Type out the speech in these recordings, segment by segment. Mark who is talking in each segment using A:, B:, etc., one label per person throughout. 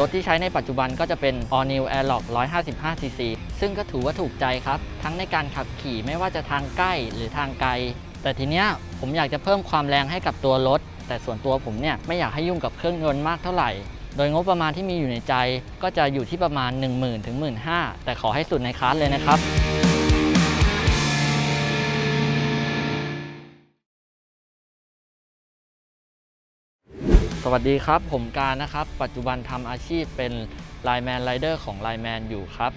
A: รถที่ใช้ในปัจจุบันก็จะเป็น All New Airlock 155cc ซึ่งก็ถือว่าถูกใจครับทั้งในการขับขี่ไม่ว่าจะทางใกล้หรือทางไกลแต่ทีเนี้ยผมอยากจะเพิ่มความแรงให้กับตัวรถแต่ส่วนตัวผมเนี่ยไม่อยากให้ยุ่งกับเครื่องยนต์มากเท่าไหร่โดยงบประมาณที่มีอยู่ในใจก็จะอยู่ที่ประมาณ 10,000 ถึง 15,000 แต่ขอให้สุดในคลาสเลยนะครับสวัสดีครับผมการนะครับปัจจุบันทำอาชีพเป็นไลน์แมนไรเดอร์ของไลน์แมนอยู่ครับ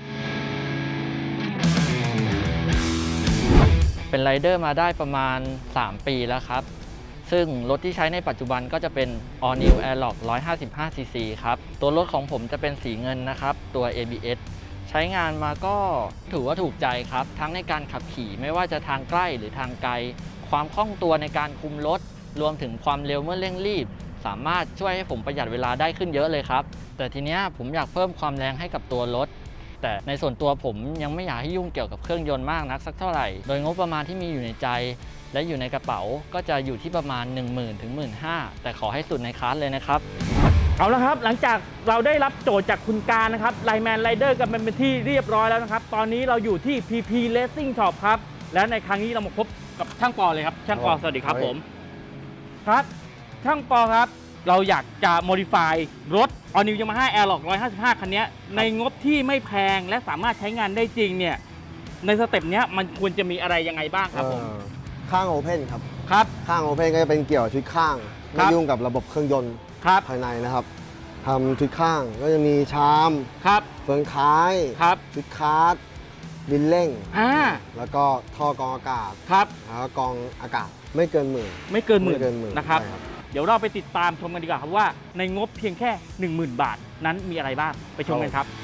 A: เป็นไรเดอร์มาได้ประมาณ3 ปีแล้วครับซึ่งรถที่ใช้ในปัจจุบันก็จะเป็น All New Airlock 155cc ครับตัวรถของผมจะเป็นสีเงินนะครับตัว ABS ใช้งานมาก็ถือว่าถูกใจครับทั้งในการขับขี่ไม่ว่าจะทางใกล้หรือทางไกลความคล่องตัวในการคุมรถรวมถึงความเร็วเมื่อเร่งรีบสามารถช่วยให้ผมประหยัดเวลาได้ขึ้นเยอะเลยครับแต่ทีเนี้ยผมอยากเพิ่มความแรงให้กับตัวรถแต่ในส่วนตัวผมยังไม่อยากให้ยุ่งเกี่ยวกับเครื่องยนต์มากนักสักเท่าไหร่โดยงบประมาณที่มีอยู่ในใจและอยู่ในกระเป๋าก็จะอยู่ที่ประมาณ 10,000 ถึง 15,000 แต่ขอให้สุดในคลาสเลยนะครับ
B: เอาละครับหลังจากเราได้รับโจทย์จากคุณการนะครับไลน์แมนไรเดอร์กันเป็นที่เรียบร้อยแล้วนะครับตอนนี้เราอยู่ที่ PP Racing Shop ครับและในครั้งนี้เรามาพบกับช่างปอเลยครับช่างปอสวัสดีครับผมครับช่างปอครับเราอยากจะ modify รถ All New Yamaha Airlock 155 คันนี้ในงบที่ไม่แพงและสามารถใช้งานได้จริงเนี่ยในสเต็ปนี้มันควรจะมีอะไรยังไงบ้างครับผม
C: ข้างโอเพนครับ
B: ครับ
C: ข้างโอเพนก็จะเป็นเกี่ยวชุดข้างไม่ยุ่งกับระบบเครื่องยนต์ภายในนะครับทำชุดข้างก็จะมีชาม
B: ครับ
C: เฟืองท้าย
B: ครับ
C: ชุดคาร์ดดินเร่งแล้วก็ท่อกรองอากาศ
B: ครับ
C: แล้วก็กรองอากาศไม่เกินหมื่น
B: นะครับเดี๋ยวเราไปติดตามชมกันดีกว่าครับว่าในงบเพียงแค่ 10,000 บาทนั้นมีอะไรบ้างไปชมกันครับ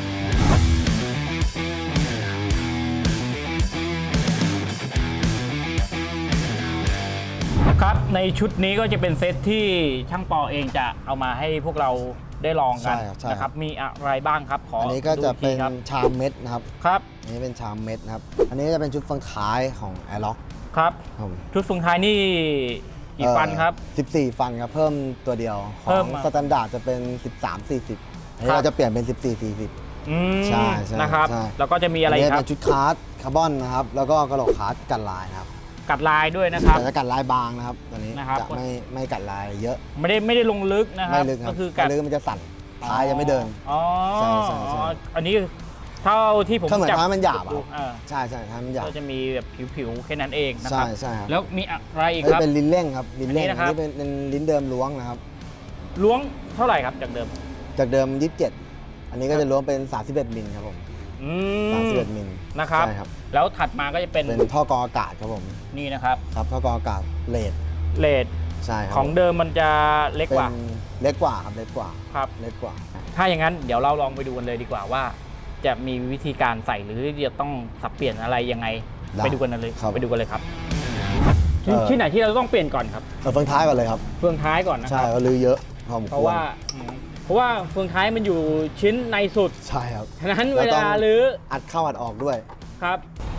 B: ครับในชุดนี้ก็จะเป็นเซตที่ช่างปอเองจะเอามาให้พวกเราได้ลองกันนะครับมีอะไรบ้างครับ
C: อันนี้ก็จะเป็นชามเม็ดนะครับ
B: ครับ
C: อันนี้เป็นชามเม็ดนะครับอันนี้จะเป็นชุดเฟืองท้ายของ Airlock
B: ครับชุดเฟืองท้ายนี่กี่ฟันครับ
C: 14ฟันครับเพิ่มตัวเดียวของสแตนดาร์ดจะเป็น13-40อันนี้เราจะเปลี่ยนเป็น14-40ใช่
B: นะครับแล้วก็จะมีอะไรครับ
C: เป็นชุดคาร์ดคาร์บอนนะครับแล้วก็กระโหลกคาร์ดกันลายนะครับ
B: กัดลายด้วยนะครับ
C: แต่จะกัดลายบางนะครับตอนนี้จะไม่กัดลายเยอะ
B: ไม่ได้ลงลึกนะครับ
C: ก็คือกัดลึกมันจะสั่นท้ายยังไม่เดิน
B: อ๋ออันนี้เท่าที่ผม
C: จับเหมือนท้ายมันหยาบใช่ท้ายมันหยาบ
B: ก็จะมีแบบผิวๆแค่นั้นเองนะครับ
C: ใช่ครับ
B: แล้วมีอะไรอีกครับ
C: เป็นลิ้นเร่งครับลิ้นเร่งอันนี้เป็นลิ้นเดิมล้วงนะครับ
B: ล้วงเท่าไหร่ครับจากเดิม
C: 27อันนี้ก็จะล้วงเป็น31มิลครับผม31มิล
B: นะครับแล้วถัดมาก็จะเป็น
C: ท่อกรองอากาศครับผม
B: นี่นะครับ
C: ท่อกรองอากาศเลดใช่ครับ
B: ของเดิมมันจะเล็กกว่า
C: ครับเล็กกว่า
B: ถ้าอย่างนั้นเดี๋ยวเราลองไปดูกันเลยดีกว่าว่าจะมีวิธีการใส่หรือจะต้องสับเปลี่ยนอะไรยังไงไปดูกันเลยครับที่ไหนที่เราต้องเปลี่ยนก่อนครับ
C: เฟืองท้ายก่อนเลยครับ
B: เฟืองท้ายก่อนนะ
C: ใช่ก็ลื้อเยอะ
B: เพราะว่าเฟืองท้ายมันอยู่ชิ้นในสุด
C: ใช่ครับ
B: ฉะนั้นเวลาลื้อ
C: อัดเข้าอัดออกด้วย
B: ครับ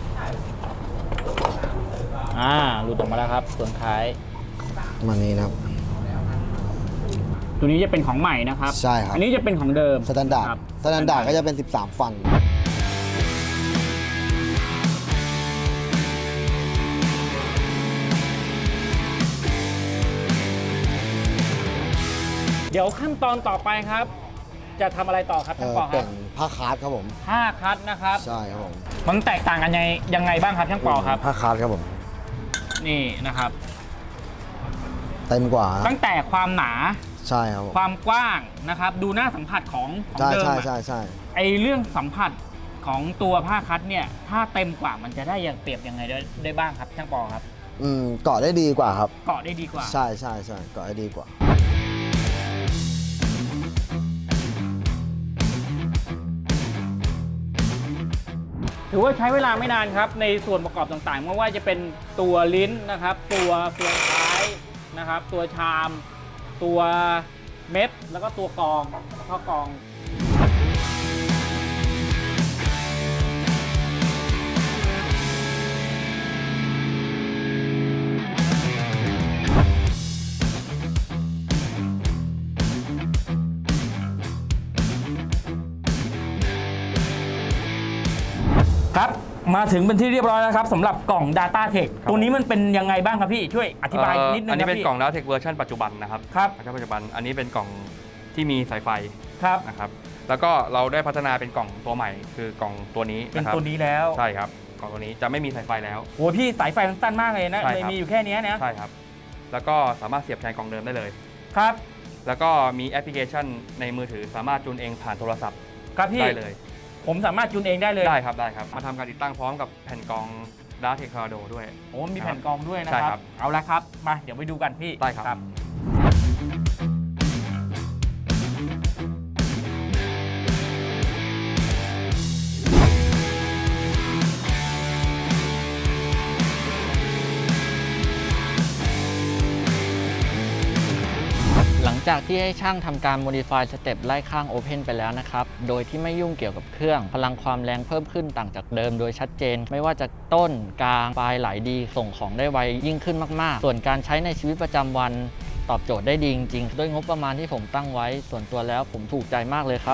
B: หลุดออกมาแล้วครับเฟืองท้าย
C: มานี้นะครับ
B: ตัวนี้จะเป็นของใหม่นะครับ
C: ใช่ครับ
B: อันนี้จะเป็นของเดิม
C: สแตนดาร์ดก็จะเป็น13ฟัน
B: เดี๋ยวขั้นตอนต่อไปครับจะทำอะไรต่อครับท่านปอครับ
C: เป็นผ้าคาร์ดครับผม
B: ผ้าคาร์ดนะครับ
C: ใช่ครับผม
B: มันแตกต่างกันยังไงบ้างครับท่านปอครับ
C: ผ้าคาร์ดครับผม
B: นี่นะครับ
C: เต็มกว่า
B: ตั้งแต่ความหนา
C: ใช่ครับ
B: ความกว้างนะครับดูหน้าสัมผัสของเดิม
C: ใช่
B: ไอเรื่องสัมผัสของตัวผ้าคัดเนี่ยถ้าเต็มกว่ามันจะได้อย่างเปรียบยังไงได้บ้างครับช่างปอครับ
C: เกาะได้ดีกว่าครับ
B: เกาะได้ดีกว่า
C: ใช่เกาะได้ดีกว่า
B: ถือว่าใช้เวลาไม่นานครับในส่วนประกอบต่างๆไม่ว่าจะเป็นตัวลิ้นนะครับตัวเฟืองท้ายนะครับตัวชามตัวเม็ดแล้วก็ตัวกรองท่อกรองครับมาถึงเป็นที่เรียบร้อยแล้วครับสำหรับกล่อง Data Tech ตัวนี้มันเป็นยังไงบ้างครับพี่ช่วยอธิบายนิดนึงครับพี่
D: อันนี้เป็นกล่อง Data Tech เวอร์ชันปัจจุบันนะครับ
B: ครับ
D: เวอร์ชันปัจจุบันอันนี้เป็นกล่องที่มีสายไฟ
B: ครับ
D: นะครับแล้วก็เราได้พัฒนาเป็นกล่องตัวใหม่คือกล่องตัวนี้
B: เป็น
D: นะครับ
B: ตัวนี้แล้ว
D: ใช่ครับกล่องตัวนี้จะไม่มีสายไฟแล้ว
B: โหพี่สายไฟมันสั้นมากเลยนะ
D: ใช่ครับ
B: เลยมีอยู่แค่นี้นะ
D: ใช่ครับแล้วก็สามารถเสียบแทนกล่องเดิมได้เลย
B: ครับ
D: แล้วก็มีแอปพลิเคชันในมือถือสามารถจูนเองผ่านโทรศัพท์
B: ครับพี่
D: ได้เลย
B: ผมสามารถจูนเองได้เลย
D: ได้ครับมาทำการติดตั้งพร้อมกับแผ่นกรอง Data Tech Tornado ด้วย
B: โอ้มีแผ่นกรองด้วยนะ
D: ใช่
B: ค
D: ครั
B: รับ เอาละครับมาเดี๋ยวไปดูกันพี่
D: ได้ครับ
A: หลังจากที่ให้ช่างทำการ modify สเต็ปไล่ข้าง Open ไปแล้วนะครับ โดยที่ไม่ยุ่งเกี่ยวกับเครื่อง พลังความแรงเพิ่มขึ้นต่างจากเดิมโดยชัดเจน ไม่ว่าจะต้นกลางปลายไหลดีส่งของได้ไวยิ่งขึ้นมากๆ ส่วนการใช้ในชีวิตประจำวันตอบโจทย์ได้ดีจริงๆด้วยงบประมาณที่ผมตั้งไว้ ส่วนตัวแล้วผมถูกใจมากเลยครับ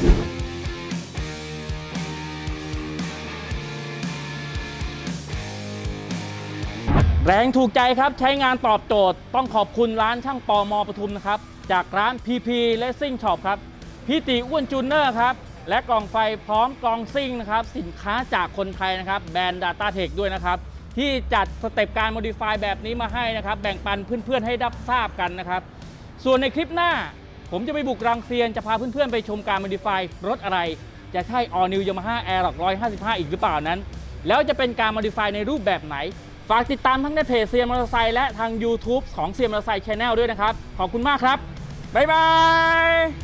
B: แรงถูกใจครับใช้งานตอบโจทย์ต้องขอบคุณร้านช่างปอมปทุมนะครับจากร้าน PP Racing Shop ครับพี่ติอ้วนจูเนอร์ครับและกล่องไฟพร้อมกล่องซิ่งนะครับสินค้าจากคนไทยนะครับแบรนด์ Data Tech ด้วยนะครับที่จัดสเต็ปการ modify แบบนี้มาให้นะครับแบ่งปันเพื่อนๆให้รับทราบกันนะครับส่วนในคลิปหน้าผมจะไปบุกรังเซียนจะพาเพื่อนๆไปชมการ modify รถอะไรจะใช่ All New Yamaha Aerox 155 อีกหรือเปล่านั้นแล้วจะเป็นการ modify ในรูปแบบไหนฝากติดตามทั้งในเพจเซียมอเตอร์ไซค์และทาง YouTube ของเซียมอเตอร์ไซค์ Channel ด้วยนะครับขอบคุณมากครับบ๊ายบาย